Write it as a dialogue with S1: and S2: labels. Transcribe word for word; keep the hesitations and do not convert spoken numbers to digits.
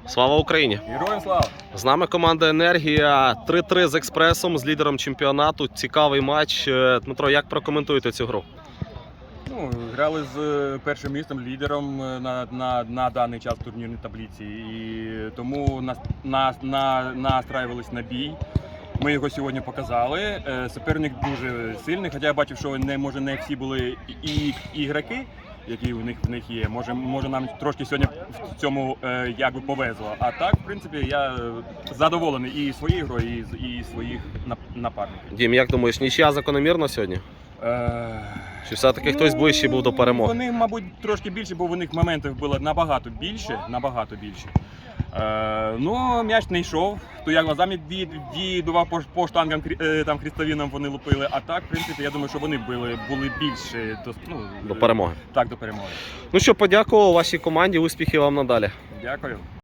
S1: Слава Україні!
S2: Героям слава!
S1: З нами команда «Енергія». три-три з «Експресом», з лідером чемпіонату. Цікавий матч. Е, Дмитро, як прокоментуєте цю гру?
S2: Ну, грали з е, першим містом, лідером е, на, на, на даний час в турнірній таблиці. І тому нас, нас, на, настраювались на бій. Ми його сьогодні показали. Е, Суперник дуже сильний, хоча я бачив, що не, може, не всі були і, і ігроки, які у них, в них є. Може, може нам трошки сьогодні в цьому е, якби повезло. А так, в принципі, я задоволений і своєю грою, і, і своїх нап- напарників.
S1: Дім, як думаєш, нічия закономірна сьогодні?
S2: Е,
S1: Чи все-таки хтось ближчий був до перемоги?
S2: Вони, мабуть, трошки більше, бо у них моментів було набагато більше, набагато більше. Е, ну, м'яч не йшов, то я глазами дідував по, по штангам, е, там, хрестовинам вони лупили, а так, в принципі, я думаю, що вони були, були більше до, ну,
S1: До перемоги.
S2: Так, до перемоги.
S1: Ну що, подякував вашій команді, успіхів вам надалі.
S2: Дякую.